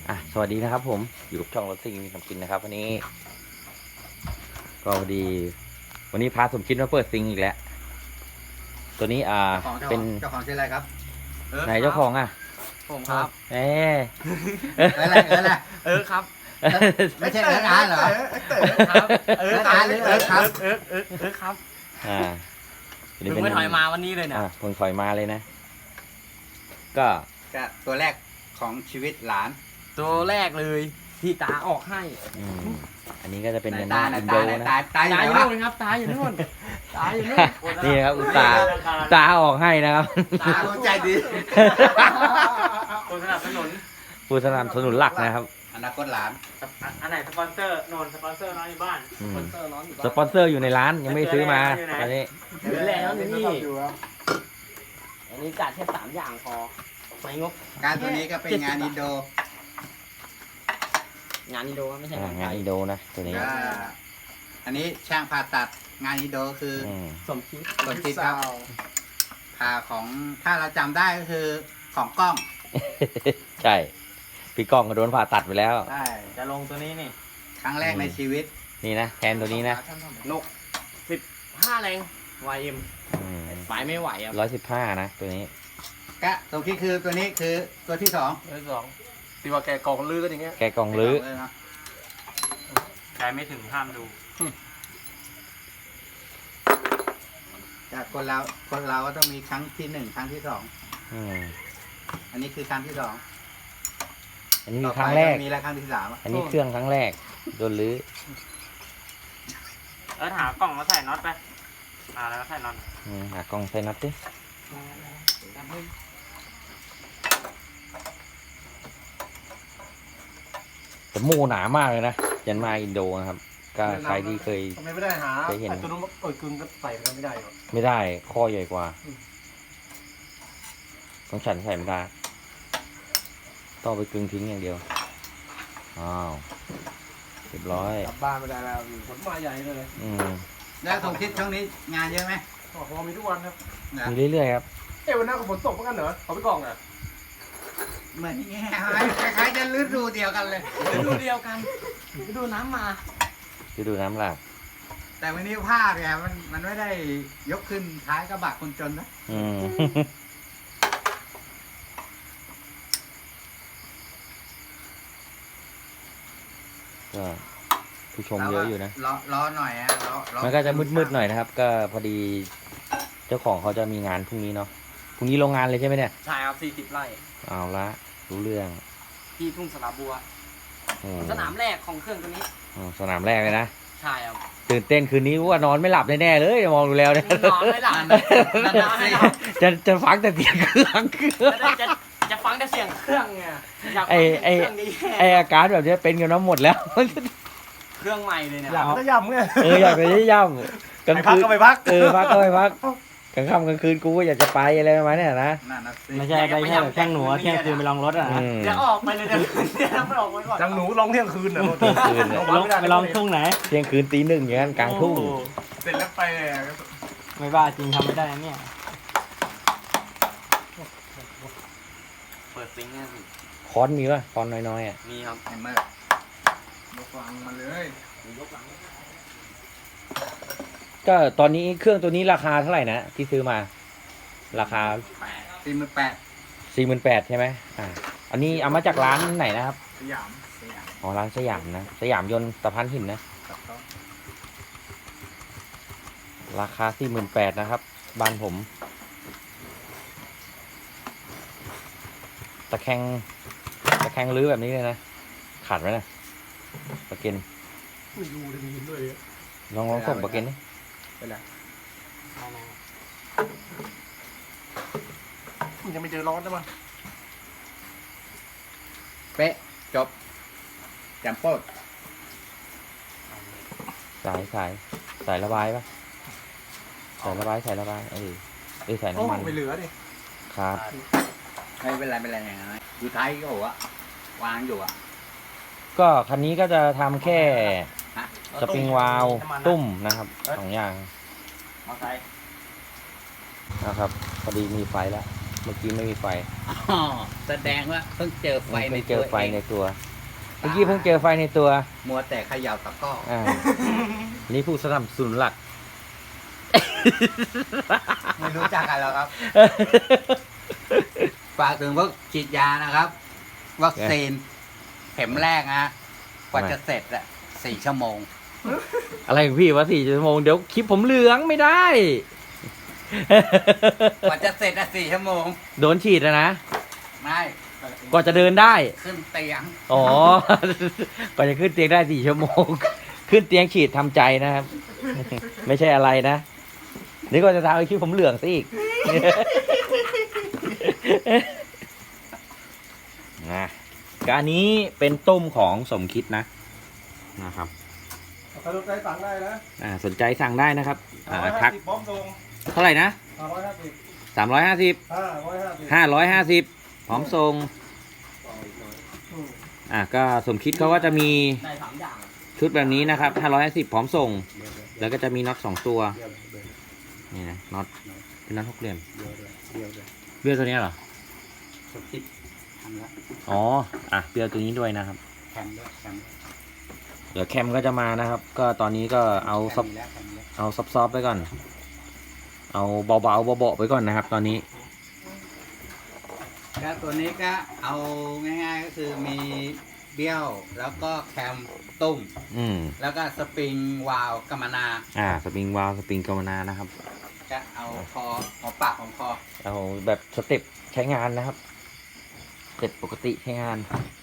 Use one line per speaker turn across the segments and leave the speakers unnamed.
สวัสดีนะครับผมอยู่กับช่องรถซิ่งมีคำกินนะครับวันนี้ก็พอดีวันนี้พาสมคิดมาเปิดซิงอีกแล้วตัวนี้เป็น
เจ้าของชื่ออะไรครับ
ไหนเจ้าของ
ผมครับ
อะไร
ครับ
ไม่ใช่ร้านเหรอ
ครับครับ
ตัว
ถึงไม่ถอยมาวันนี้เลยเนี่ย
เพิ่งถอยมาเลยนะ ก็
ตัวแรกของชีวิตหลาน
ตัวแรกเลยที่ตาออกให้
อันนี้ก็จะเป็น
ไหน
ยา
ตา
นา
ไหน
อิน
ตา
โด
ไหน
นะ
ตาอยู่
ตา
ไหน
อยู่
วะ
นู่นครับตาอยู่นู่นตาอยู่นู่น
นี่ครับตาออกให้นะครับ
ตาใจดี
คนสนับสนุน
ผู้สนับสนุนหลักนะครับ
อนาคตหลาน
อันไหนสปอนเซอร์นนสปอนเซอร์น้อยอยู่บ้านสปอนเซอร์น้อยอยู่บ้าน
สปอนเซอร์อยู่ในร้านยังไม่ซื้อมาตอนนี้
เหลือแล้วนี่อันนี้จัดแค่3อย่างพอไม่งก
การตัวนี้ก็เป็นงานอินโด
งานอินโดไม่ใช่
งานอินโดนะตัวนี้
ก็อันนี้ช่างผ่าตัดงานอินโดคืออ
สมคิด
ส่วนที่ครับผ่าของถ้าเราจำได้ก็คือของกล้อง
ใช่พี่ก้องก็โดนผ่าตัดไปแล้ว
ใช่
จะลงตัวนี้นี่
ครั้งแรกในชีวิต
นี่นะแทนตัวนี้นะ
นก15แรง YM ไปไม่ไหวอ่ะ
115นะตัวนี้
ก็ตรงที่คือตัวนี้คือตัวที่สอง
ที่ว่าแกกองลือกันอย่างเงี้ย
แกกองลื้อ
ใครไม่ถึงห้ามดู
จากคนเราก็ต้องมีครั้งที่1ครั้งที่2
อืม
อันนี้คือครั้งที่2
อันนี้คือครั้งแรก
มีแล้วครั้งที่3อ่ะ
อันนี้เครื่องครั้งแรกโดนลื้อ
หากล่องมาใส่น็อตไปแล้วก็ใส่น็อต
หากล้องใส่น็อตดิแต่โม่หนามากเลยนะยันมาอินโดนะครับ ก็ใครที่เคย
ทำไมไม่ได้หา
เคยเห็น
ตัวนู้นกึ่งก็ใส่กันไม่ได้หรอ
ไม่ได้ข้อใหญ่กว่าของฉันใส่ไม่ได้ต้องเอาไปกึ่งทิ้งอย่างเดียวอ้าวเรียบร้อย
กลับบ้านไม่ได้แล้วผลมาใหญ่เลย
แล้วสมคิดช่วงนี้งานเยอะไหม
พอมีทุกวันครับ
มีเรื่อยๆครับ
วันนั้นก็ฝนตกเหมือนกันเหรอเขาไปกล่องอ่ะ
เหมือนอย่างเงี้ยคล้ายๆจะฤดูเดียวกันเลย
ดูเดียวกันดูน้ำมา
ดูน้ำหลาก
แต่วันนี้ภาพเนี่ยมันไม่ได้ยกขึ้นท้ายกระบะคนจนนะ
ก็ผู้ชมเยอะอยู่นะ
รอหน่อยอ่ะรอ
มันก็จะมืดๆหน่อยนะครับ ก็พอดีเจ้าของเขาจะมีงานพรุ่งนี้เนาะพรุ่งนี้โรงงานเลยใช่ไหมเนี่ย
ใช่ครับ40 ไร่
เอาละรู้เรื่อง
ที่ทุ่งสระบัว สนามแรกของเครื่องตัวนี้
สนามแรกเลยนะ
ใช่ครับ
ตื่นเต้นคืนนี้ว่านอนไม่หลับแน่ๆเลยมองดูแล้วเนี่ย
นอนไม่หลับนอนไม่หลับ
จะฟังแต่เสียงเครื่อง
จะฟังแต่เสียงเครื่องไงอยากฟัง
ไอ้
เครื่องนี้
ไออาการแบบนี้เป็นกันน้ำหมดแล้ว
เครื่องใหม่เลยเนี่ย
อยากจะย่ำไง
อยากไปย่ำกลาง
ไปพัก
คืน
ก็ไปพัก
พักก็ไปพักกลางค่ำกลางคืนกูก็อยากจะไปอะไรประมาณเนี้ยนะ
นั่นนะสิ
ไม่ใช่ไปแค่แบบแข้งหนูอะเที่ยงคืนไปลองรถอ่ะนะ
จะออกไปเลยเดี๋ยวไม่ออกไปก่อน
จังหนูร้องเที่ยงคืนเหรอ
เที่ยงคืนเนี่ย
ไปลองทุ่งไหน
เที่ยงคืนตี 1อย่างนั้นกลางทุ่ง
เสร็จแล้วไปเลย
ไม่บ้าจริงทำไม่ได้นะเนี่ย
เปิดซิงค์เนี่ยสิ
คอนมีป่ะคอนน้อยๆอ่ะ
มีครับ
ไอ้เมื่อยกฟังมาเลย
ก็ตอนนี้เครื่องตัวนี้ราคาเท่าไหร่นะที่ซื้อมา ราคา
48,000
48,000ใช่ไหมอันนี้เอามาจากร้านไหนนะครับ
สยาม
อ๋อร้านสยามนะสยามยนต์ตะพานหินนะ ราคา48,000นะครับบ้านผมตะแคงรื้อแบบนี้เลยนะขาดไหมนะปะเกน
ไม่รู้จะมีหินด้วย
ลองส่งปะเกนดิ
ไปแล้ว
ยังไม่เจอร้อนใช่ไหม
เป๊ะจบแจมโป๊ด
สายระบายปะสายระบายสายน้ำมัน
ไม่เหลือดิ
ครับ
ไม่เป็นไรอย่างนั้นอยู่ท้ายก็หัววางอยู่อ่ะ
ก็คันนี้ก็จะทำแค่
ฮะ
สปริงวาล์วตุ้มนะครับ2 อย่าง
มอไซค์
นะครับพอดีมีไฟแล้วเมื่อกี้ไม่มีไฟ
อ๋อแสดงว่าเพิ่งเจอไฟใน
เพิ่งเจ
ตัว
อไฟ
เอง
ในตัว เมื่อกี้เพิ่งเจอไฟในตัว
มัวแต่เขย่าตะกร้อ
อ่า นี่ผู้สนับสนุนหลัก
ไม่รู้จักกันแล้วครับ ฝากถึงพวกฉีดยานะครับ วัคซีนเข็มแรกนะกว่าจะเสร็จอะ4 ชั่วโมง
อะไรของพี่วะ4 ชั่วโมงเดี๋ยวคลิปผมเหลืองไม่ได้
กว่าจะเสร็จอะ4 ชั่วโมง
โดนฉีดนะ
ไม่
กว่าจะเดินได้
ขึ้นเตียง
อ๋อ กว่าจะขึ้นเตียงได้4 ชั่วโมง ขึ้นเตียงฉีดทำใจนะครับ ไม่ใช่อะไรนะ นี่ก็จะทำให้คลิปผมเหลืองซะอีก นะการนี้เป็นต้มของสมคิดนะครับ
ถ้าสนใจสั่งได้นะ
สนใจสั่งได้นะครับทัก
พร้อมส่ง
เท่าไหร่นะ
350
350
550
550พร้อมส่งก็สมคิดเขาก็จะมี
ได้3อย่าง
ชุดแบบนี้นะครับ550พร้อมส่ง แล้วก็จะมีน็อต2ตัวนี่นะน็อตเป็นน็อต6 เหลี่ยมเบี้ยวตัวนี้เหรอ
สุดทิศทำแล้ว
อ๋อเบี้ยวตัวนี้ด้วยนะครับ
แคมด้วยแคม
เดี๋ยวแคมก็จะมานะครับ ก็ตอนนี้ก็เอาซับ
มีแล้วแคมมีแล้ว
เอาซอฟๆไปก่อน เอาเบาๆเบาๆไปก่อนนะครับ ตอนนี้
ก็ตัวนี้ก็เอาง่ายๆก็คือมีเบี้ยวแล้วก็แคมตุ้ม
อืม
แล้วก็สปริงวาล์วกัมมนา
สปริงวาลวสปริงกาวนานะครับ
ก็เอาคอหัวปากของคอ
เอาแบบสเต็ปใช้งานนะครับสเต็ปปกติใช้งาน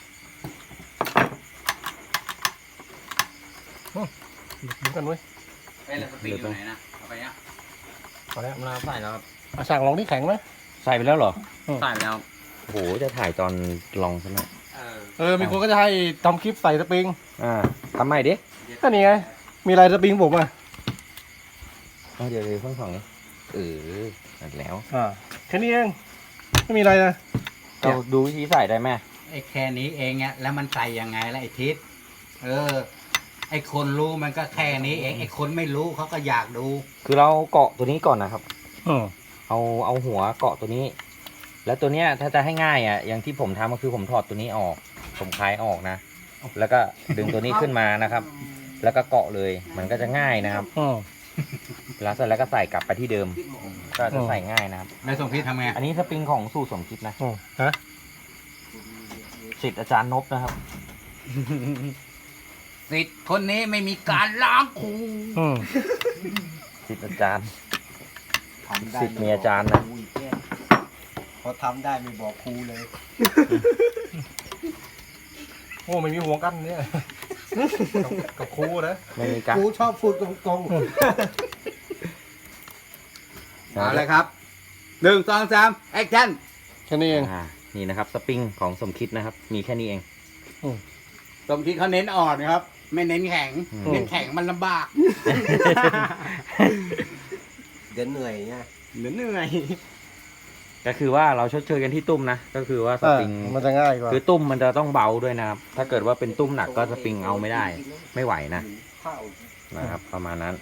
เหมือนกันเว้ย
เอ้ยแล้วสปริงอยู่ไหนนะเอาไปเนี่ย
พอแล้ว
มาใส่แล้วครับ
สั่งลองที่แข็งไหม
ใส่ไปแล้วเหรอ
ใส่แล้ว
โอ้โห จะถ่ายตอนลองซะหน่อย
มีคนก็จะให้ทำคลิปใส่สปริง
ทำใหม่ดิ
ก็นี่ไง มีลายสปริงผมอ่ะ
เดี๋ยวเพิ่งส่องนี้นั่นแล้ว
แค่นี้เองไม่มีอะไรนะ
เราดูวิธีใส่ได้ไหม
ไอ้แค่นี้เองอะแล้วมันใส่ยังไงล่ะไอ้ทิศไอ้คนรู้มันก็แค่นี้เองไอ้คนไม่รู้เขาก็อยากดู
คือเราเกาะตัวนี้ก่อนนะครับ
อืม
เอาหัวเกาะตัวนี้ แล้วตัวเนี้ยถ้าจะให้ง่ายอย่างที่ผมทำก็คือผมถอดตัวนี้ออก ผมคลายออกนะ แล้วก็ดึงตัวนี้ขึ้นมานะครับ แล้วก็เกาะเลย มันก็จะง่ายนะครับ แล้วเสร็จแล้วก็ใส่กลับไปที่เดิม ก็จะใส่ง่ายนะครับ
แล้วสมพิษทำไง
อันนี้สปริงของสูตรสมคิดนะ
ฮะ
ศิษย์อาจารย์นบนะครับ
สิทธิ์คนนี้ไม่มีการล้างครู
ศิษย์อาจารย์ศิษย์มีอาจารย์นะ
พอทำได้ไม่บอกครูเลย
โอ้ไม่มีห่วงกันเนี่ย กับครูนะ
ไม่มีการ
ครูชอบพูดตรง
เอาเลยครับ1 2 3แอคชั่น
ๆแค่นี้เอง
นี่นะครับสปริงของสมคิดนะครับ มีแค่นี้เอง
สมคิดเขาเน้นอ่อนนะครับ ไม่เน้นแข็ง
อืม
เน้นแข็งมันลำบาก
เดี๋ยวเหนื่อยไง
เหนื่อย
ก็คือว่าเราชดเชยกันที่ตุ้มนะ ก็คือว่าสปริง
มันจะง่ายกว่า
คือตุ้มมันจะต้องเบาด้วยนะครับ ถ้าเกิดว่าเป็นตุ้มหนักก็สปริงเอาไม่ได้ ไม่ไหวนะ
ข้าว
นะครับ ประมาณนั้น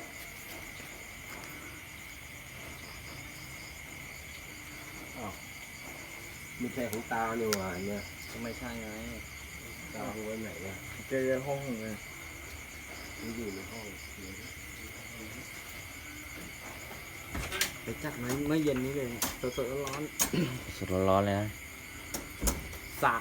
มีแค่ของตาเนี่ยว่ะเนี่ยไม่ใช่ไงตาไว้ไหนอ่ะเจอห้องเลยมันอยู่ในห้องไปจัดมาเมื่อเย็นนี้เลยสดๆร้อน
สดร้อนๆเลยนะ
ๆสัก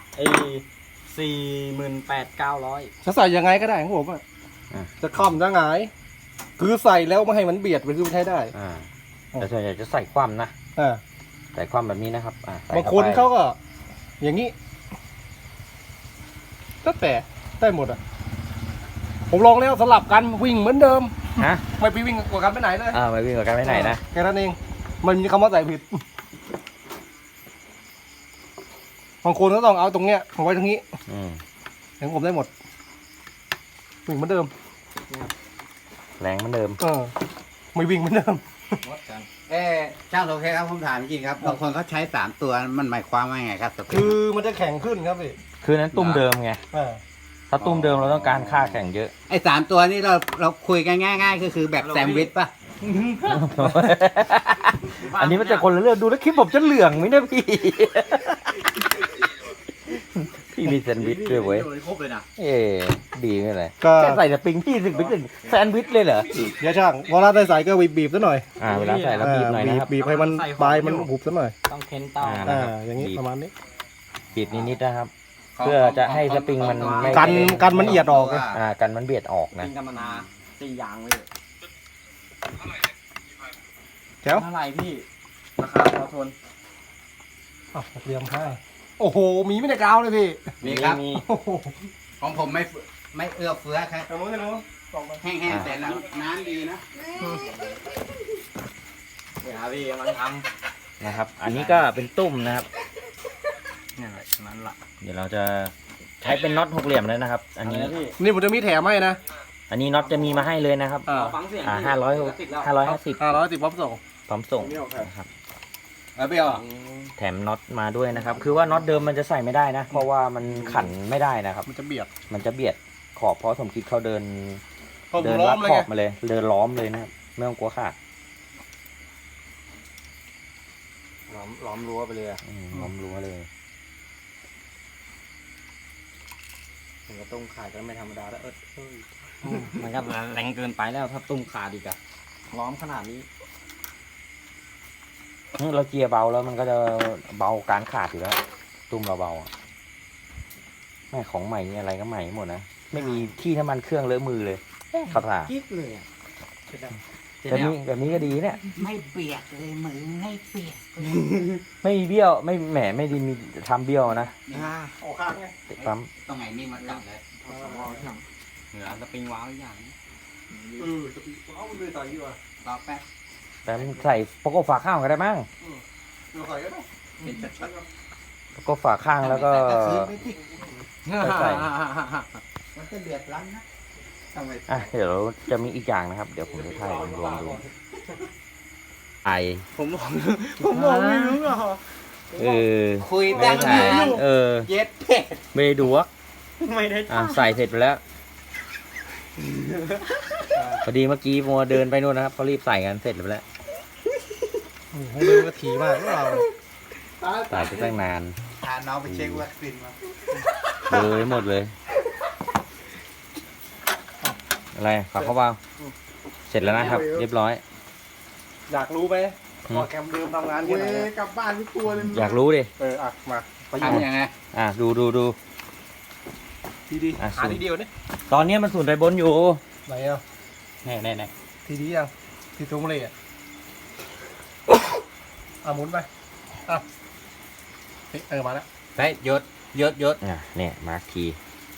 48,900
จะใส่ยังไงก็ได้ของผมอ่ะ
อ่ะ
จะค่อมจะหงาย คือใส่แล้วไม่ให้มันเบียดไปคือมันใช้ได้
แต่ส่วนใหญ่จะใส่คว่ำนะ
อ่า
ใส่คว่ำแบบนี้นะครับใส่
บาง
เข้
คน
ไป
เขาก็ อย่างนี้ก็แต่ได้หมดอ่ะ ผมลองแล้วสลับกันวิ่งเหมือนเดิม
ฮะ
ไม่ไปวิ่งกว่ากันไปไหนเลย
ไม่วิ่งกับกันไปไหนนะ
แค่นั้นเอง มันมีคำว่าใส่ผิด บางคนก็ต้องเอาตรงเนี้ยเอาไว้ตรงนี้ อย่างผมได้หมด วิ่งเหมือนเดิม
แรงเหมือนเดิม
ไม่วิ่งเหมือนเดิม
ช่างโอเคครับผมถามจริงๆครับบางคนเขาใช้3 ตัวมันหมายความว่าไงครับสปริง
คือมันจะแข็งขึ้นครับพี่
คือนั้นตุ้มเดิมไง
อ่า
ถ้าตุ้มเดิมเราต้องการค่าแข่งเยอะ
ไอ้3 ตัวนี้เราคุยกันง่ายๆก็คือแบบแซมด์วิชป่ะ
อันนี้มันจะคนละเรื่องดูแล้วคลิปผมจะเหลืองไหมเนี่ยพี่ พี่มีแซนด์วิชด้วยเว้ย
ครบเลยนะ
เอ๊ดีไม่เลย
ก็
แค่ใส่แต่ปิงพี่ถึงไปถึงแซนด์วิชเลยเหรอ
เดี๋ยวช่างเวลาได้ใส่ก็บีบๆซะหน่อย
เวลาใส่แล้วบีบหน่อยนะครับ
บีบให้มันปลายมันหุบซะหน่อย
ต้องเค้นเตา
อย่างนี้
บีบ
ประมาณนี้
บีบนิดๆนะครับ เพื่อจะให้สปริงมันไม่
กันมันเอียดออกไง
กันมันเบียดออกนะ
ปิ้งกัมมนา4 อย่างเลย
แจ๋ว
เท่าไหร่พี่ ราคาพอทน
อ้าวเรียมให้โอ้โหมีไม่ได้กาวเลยพี่
นี่ครับ
มี
โอ้โห
ของผมไม่เอื้อเฟื้อครับ
ตรงนู้นตรงนู้นส่งไป
แห้งๆแต่น้ำดีนะ
เดี๋ยวพี่กำลังท
นะครับ อันนี้ก็เป็นตุ้มนะครับ
ำเนี่ยแหละนั้นละ
เดี๋ยวเราจะใช้เป็นน็อตหกเหลี่ยมเลยนะครับ อันนี้
พี่
นี่ผมจะมีแถมให้นะ
อันนี้น็อตจะมีมาให้เลยนะครับ
อ่า
ฟังเสียง
550
510พร้อมส่ง
พร้อมส่งนะครับ
เปรี้ยว
แถมน็อตมาด้วยนะครับ คือว่าน็อตเดิมมันจะใส่ไม่ได้นะ เพราะว่ามันขันไม่ได้นะครับ
มันจะเบียด
มันจะเบียดขอบเพราะสมคิดเขาเดิน
ผม
เดิน
ล้อ
ลั
ม
ด
เลย
ขอ
ไง
บมาเลย เดินล้อมเลยนะครับไม่ต้องกลัวขาด
ล้อมรั้วไปเลยอะ
ล้อมรั้วเลย
ถึงกระตุ้มขาดก็ไม่ธรรมดาแล้วมันก็แรงเกินไปแล้วถ้าตุ้มขาดอีกอะล้อมขนาดนี้
เราเจียร์เบาแล้วมันก็จะเบาการขาดอยู่แล้ว ตุ้มเราเบาอะแม่ของใหม่นี่อะไรก็ใหม่หมดนะไม่มีที่น้ำมันเครื่องเลอะมือเลยเขาถ่า
กิ๊กเลยอะ
แบบนี้ก็ดีเนี่ย
ไม่เปียกเลยมือไม่เปียก
ไม่มีเบี้ยวไม่แหมไม่ได้มีทำเบี้ยวนะ
ออกข้างไง
ติดปั๊ม
ต้องไงนี่มาจับเลย
เหนือสปริงว้าวอีกอย่าง
จะปีว้าวมันเลยใส่ดีกว่า
รอแป๊บ
แต่มันใส่โปโก้ฝาข้างก็ได้มั้ง
เดี๋ยวใส่ก็ได้
เป็นชัด
โปโก้ฝาข้างแล้วก็ ใส่
มันจะเดือดร้อนนะทำไม
เดี๋ยวจะมีอีกอย่างนะครับ เดี๋ยวผมจะถ่ายรวมๆดูไอ
ผมบอกไม่รู้อ่ะ
คุยตั้งนาน
เย็ดเผ็ดไม่ได้ดูวะ
ไม่ได้
ใส่เสร็จไปแล้วพอดีเมื่อกี้มัวเดินไปนู่นนะครับเขารีบใส่กันเสร็จไปแล้ว
ให้ดูกระถีมากเรา
ใส่ไปตั้งนาน
พาน้องไปเช็ควัคซีนมา
เลยหมดเลย อะไรฝากเขาเปล่าเสร็จแล้วนะครับ เรียบร้อย
อยากรู้ไหมพอแคมเดิมทำงานแค่ไหน
กลับบ้านทุกตัวเลย
อยากรู้ดิ
มาไป
ทำยังไง
ดู
ทีดีหาทีเดียวเนี่ย
ตอนนี้มันสูนไปบนอยู่
ไหนอ่ะ
แน่
ทีดียังทีตรงเลยอ่ะหมุนไปมาแล้ว
ไปหยด
เนี่ยมาร์คที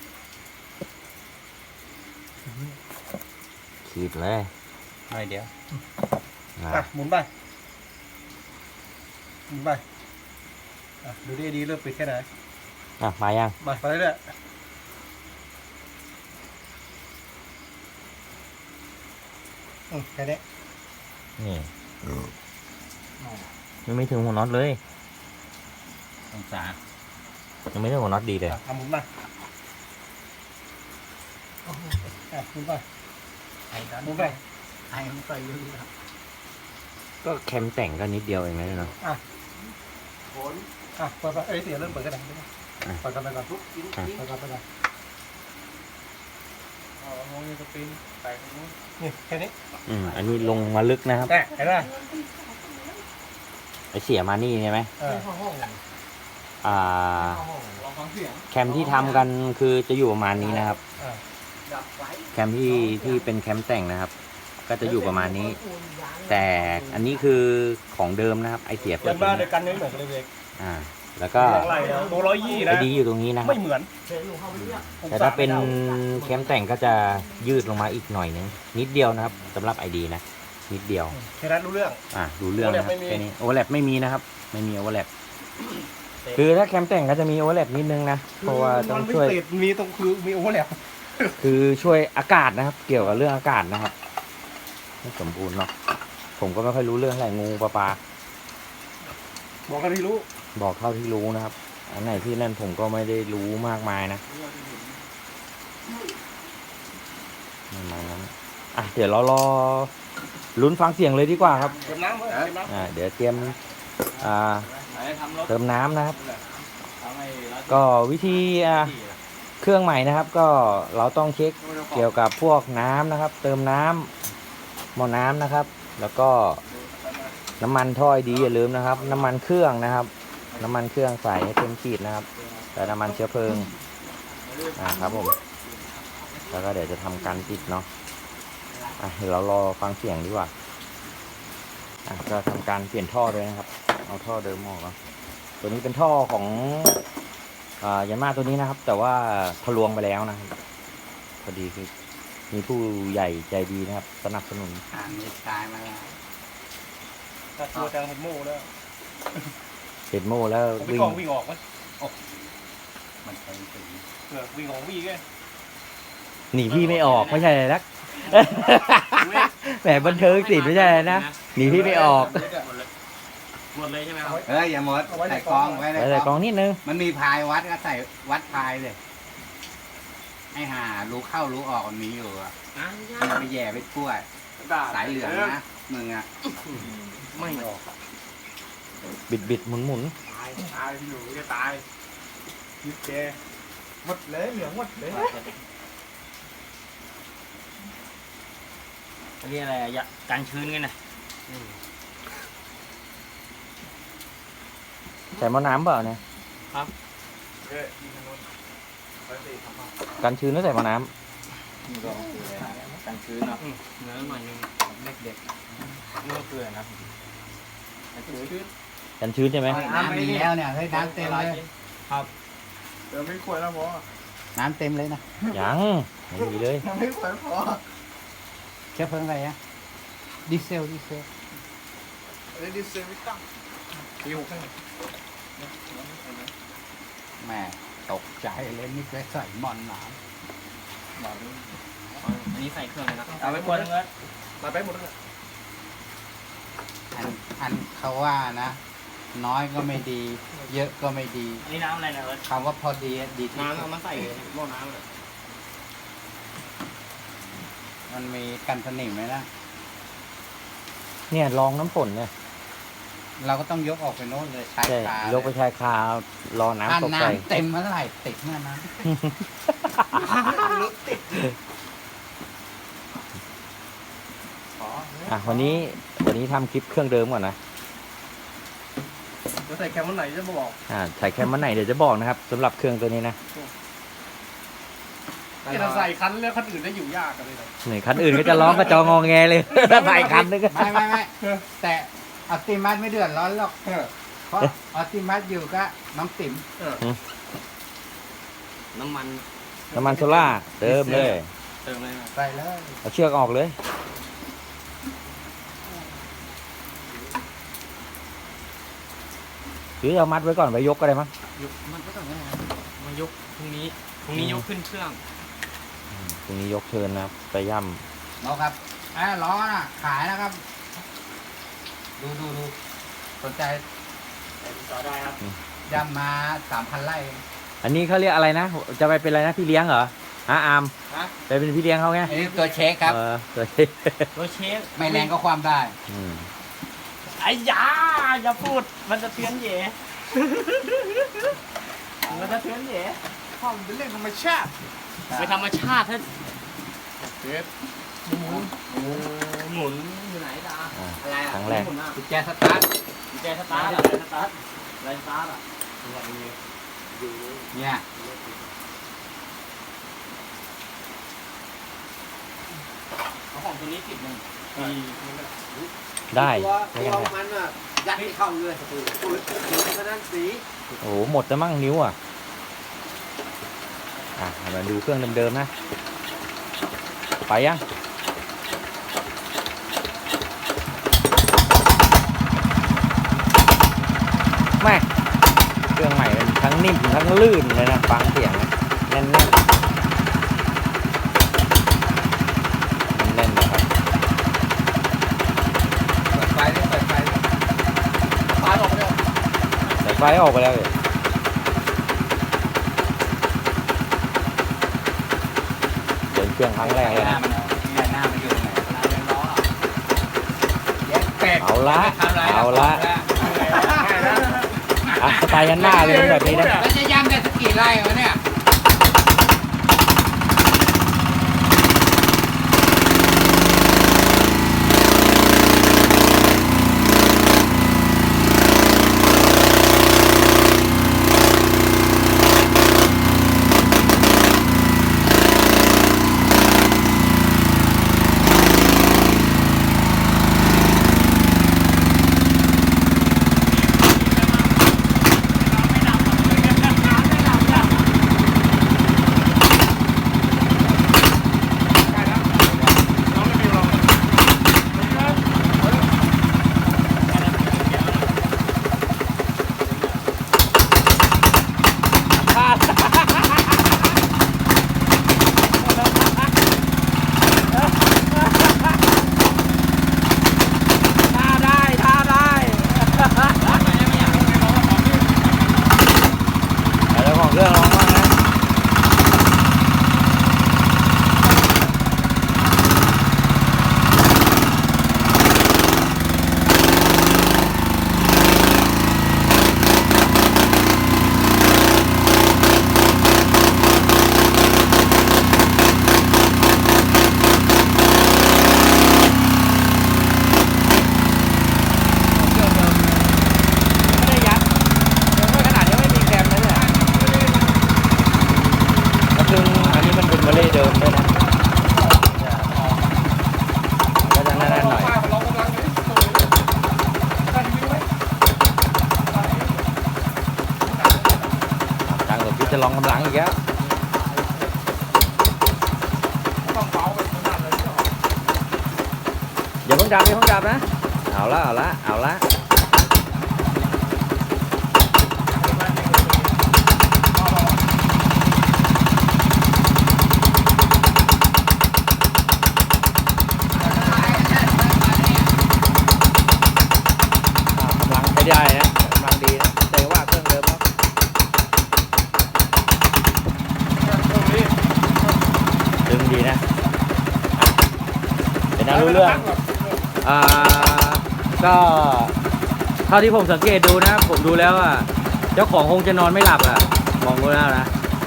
ขีดเลย
หน่อยเดียว
หมุนไปดูดีเริ่มปิดแค่ไหน
มายัง
มาไปเรื่อยแค่นี้
นี่ยังไม่ถึงหัวน็อตเลย
องศา
ยังไม่ถึงหัวน็อตดีเลย
หมุนไปหมุนไป
ไอ้ดัน
หมุนไป
ไอ้มันไปเรื่อย
ก็แคมแต่งก็นิดเดียวเองนะเนาะ
เปิดเสียเริ่มเปิดกันแล้วเปิดกันไปก่อนเปิดกันไปก่อนมองนี่สปินใส่นี่แค่นี้
อันนี้ลงมาลึกนะครับ
เห็นไหม
ไอเสียมานี่ใช่ไหมแคมที่ทำกันคือจะอยู่ประมาณนี้นะครับ แคมที่เป็นแคมแต่งนะครับ ก็จะอยู่ประมาณนี้ แต่อันนี้คือของเดิมนะครับ ไอเสียเปิ
ยั
ด
นบ้านเดียวกันไม่เหมือนกันเลยเด็ก
แล้วก็
ตัว120
ไอ
นะ
ดีอยู่ตรงนี้นะครับ
ไม่เหมือน
แต่ถ้าเป็นแคมแต่งก็จะยืดลงมาอีกหน่อยนึงนิดเดียวนะครับสำหรับไอดีนะนิดเดียว
แค่นั้นรู้เรื่อง
ดูเรื่องนะครับ
overlap ไม่มี
แค่นี้โอเวอร์แลปไม่มีนะครับ ไม่มีโอเวอร์แลปคือถ้าแคมแต่งก็จะมีโอเวอร์แลปนิดนึงนะเพราะว่าต้องช่วย
มันไม่ติดมีตรงคือมีโอเวอร์แลป
คือช่วยอากาศนะครับ เกี่ยวกับเรื่องอากาศนะครับไม่สมบูรณ์เนาะผมก็ไม่ค่อยรู้เรื่องอะไรงูปลา
บอกกันที่รู้
บอกเท่าที่รู้นะครับ อันไหนที่นั่นผมก็ไม่ได้รู้มากมายนะประมาณนั้นเดี๋ยวเรารอลุ้นฟังเสียงเลยดีกว่าครับ
เติมน้ำเติมน้ำ
เดี๋ยวเตรียมอ่า
ไหนทำรถ
เติมน้ำนะครับ
ทำให้รถ
ก็วิธีเครื่องใหม่นะครับ ก็เราต้องเช็คเกี่ยวกับพวกน้ำนะครับ เติมน้ำหม้อน้ำนะครับ แล้วก็น้ำมันถ้อยดีอย่าลืมนะครับ น้ำมันเครื่องนะครับ น้ำมันเครื่องใส่ให้เต็มขีดนะครับแต่น้ำมันเชื้อเพลิงครับผมแล้วก็เดี๋ยวจะทำการติดเนาะเดี๋ยวเรารอฟังเสียงดีกว่าก็ทำการเปลี่ยนท่อเลยนะครับเอาท่อเดิมออกแล้วตัวนี้เป็นท่อของยามาตัวนี้นะครับ แต่ว่าทะลวงไปแล้วนะครับพอดีคือมีผู้ใหญ่ใจดีนะครับ สนับสนุน
มีตายมาแล้ว
ถ้าตัวจังเห็นโม่แล้ว
เห็นโม่แล้ว
ผมไปกองวิ่งออกมั้ย
มันเป็นสี
วิ่งออกวิ่งไง
หนีพี่ไม่ออกไม่ใช่อะไรนะแหมบันเทิงสิไม่ใช่อะไรนะหนีพี่ไม่ออก
หมดเลยใช่ไหมครับ
อย่าหมดใส่กองไว้
ใส่กล่องนิดนึง
มันมีพายวัดก็ใส่วัดพายเลยไอ้ห่ารู้เข้ารู้ออกมันมีอยู่อะมันไปแย่ไปกล้วย สายเหลืองนะมึงอะ
ไม่ออก
บิดหมุน
ตายพี่หนูจะตายยิบแกหมดเลยเหลืองหมดเลย
เรียกอะไรอะการชื้นกันนะ
ใส่หม้อน้ำเปล่าเนี่ยกันชื้นแล้วใส่หม้อน้
การชื้นเนาะเนื้อหน่อยนึงเด็กๆนี่ก็คืออะไรนะการชื้น
ำกันชื้นใช่ไหม
น้ำมีแล้วเนี่ยเฮ้ยน้ำเต็มเลย
เดี๋ยวไม่ควรแล้วพอ
น้ำเต็มเลยนะ
ยังไม่มีเลย
ยังไม่ควรพอ
เชื้อเพลิงอะไรอะดีเซล
เรดิเซมิตั้งปีหกข้างใน
แม่ตกใจเลยนี่ไปใส่หมอนหนาม
อันนี้ใส่เครื่องเลยนะเอาไปกวนเลย
มาไปหมดแล้ว
อันเขาว่านะ น้อยก็ไม่ดี เยอะก็ไม่ดี
อันนี้น้ำอะไรนะเอิร์ธ
คำว่าพอดีดีที่
น้ำ
สุ
เอา
ด
มาใส่หม้อน้ำเลย
มันมีกันสนิมไหมนะ
เนี่ยลองน้ำฝนเนี่ย
เราก็ต้องยกออกไปโน้นเลยชาย
ใช่
คาย
กไปชายคารอ
ถ้า
น้ำตกใส่
น้ำเต็มเมื่อไหร่ติดเมื่อนั้น
วันนี้ทำคลิปเครื่องเดิมก่อนนะ
จะใส่แคมวันไหนจะมาบอก
ใส่แคมมันไหนเดี๋ยวจะบอกนะครับสำหรับเครื่องตัวนี้นะ
จะใส่คันแล้วคันอื่นได้อยู่ยากกันเลย
หนึ่งคันอื่นก็จะร้องกระจองงอแงเลยถ้าใส่คันนึงก็
ไม่แต่ออติมัสไม่เดือดร้อนหรอกเพราะออติมัสอยู่ก็น้องติ๋ม
น้ำมัน
น้ำมันโซล่าเติมเลย
เติมเลยนะ
ใส่เลย
เอาเชือกออกเลยหรือเอามัดไว้ก่อนไว้ยกก็ได้มั้ง
ยกมันก็ต้องไงมายกพรุ่งนี้ยกขึ้นเครื่อง
ตรงนี้ยกเชิญนะครับไปย่
น้องครับล้อน่ะขายนะครับ ดูสนใจ
ต่อได้ครับ
ย่ำมา3,000 ไร่
ำอันนี้เขาเรียกอะไรนะจะไปเป็นอะไรนะพี่เลี้ยงเหรออาร์มไปเป็นพี่เลี้ยงเขาไง
อันนี้ตัวเช็คครับ
ตัว
ตัวเชฟ
ไม่แรงก็ความได้
ไอ้ยาอย่าพูดมันจะเตือนเหย่มันจะเตือนเหย่
ห้องเป็นเรื่องธรรมชาติ
ไปธรรมชาติท่าน
เด็ด
หมุนอยู่ไหนดาอะไรอ่ะ
ครั้งแรก
กุญแจสตาร์ท
กุญแจสตาร์ทอะสตาร์ทอะไรสตาร์ทอ่ะ
เนี่ย
เอาของตัวนี้ติดหนึ่ง
ได้
ตัว
ไม่กัน
มันอ่ะยัดไม่เข้าเลยปุ๋ยกระด้านสี
โอ้โหหมดแล้วมั้งนิ้วมาดูเครื่องเดิมๆนะไปยังแม่เครื่องใหม่เป็นทั้งนิ่มทั้งลื่นเลยนะฟังเสียงแน่นๆนะครับ
เปิดไฟได้เปิดไฟไฟออกไปเลย
สายไฟออกไปแล้วเลยเดินเครื่องครั้งแรกเลย
หน้า
นะ
มันอยู่ตรงไหน
เวลาเดินล้ออะ
เป็ด
เอาละ
ทำอะไร
เอาละ อ่ะสไตล์ยันหน้าเลยแบบนี้นะ
แล้วจะย่ำได้สักกี่ไร่วะเนี่ย
ท่าได้ท่าได้แล้วของเครื่องร้องบ้างนะ ไม่ได้ยัดยังไม่ขนาดยังไม่มีแคมเลยเนี่ยแล้วซึ่งอันนี้มันเป็นมาเล่เดิมด้วยนะก็จะแน่นๆหน่อยทางหลวงพี่จะลองกำลังอีกแล้วอย่าเพิ่งดับอย่าเพิ่งดับนะเอาละเอาละเอาละกำลังใช้ได้นะกำลังดีนะแต่ว่าเครื่องเดิมแล้วดึงดีนะเป็นน่ารู้เรื่องก็เท่าที่ผมสังเกตดูนะผมดูแล้วอ่ะเจ้าของคงจะนอนไม่หลับอ่ะมองดูแล้วนะ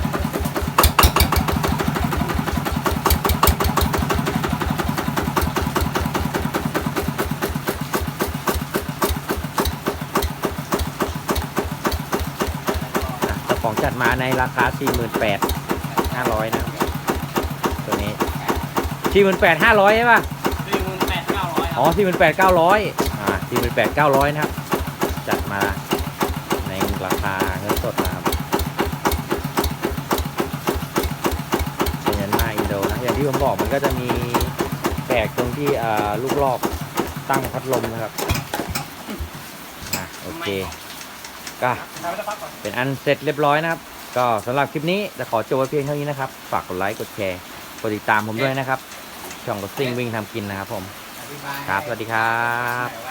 เจ้าของจัดมาในราคา 48,500 นะตัวนี้ 48,500 ใช่ป่ะ
48,900
อ๋อ 48,900 48,900 นะครับ จัดมาในราคาเงินสดนะครับเป็นยันมาอินโดนะ อย่างที่ผมบอกมันก็จะมีแปลกตรงที่ลูกลอกตั้งพัดลมนะครับโอเค ก็เป็นอันเสร็จเรียบร้อยนะครับ ก็สำหรับคลิปนี้จะขอจบไว้เพียงเท่านี้นะครับ ฝากกดไลค์ กดแชร์ กดติดตามผมด้วยนะครับ ช่องรถซิ่งวิ่งทำกินนะครับผม
อธิบาย
ครับ สวัสดีครับ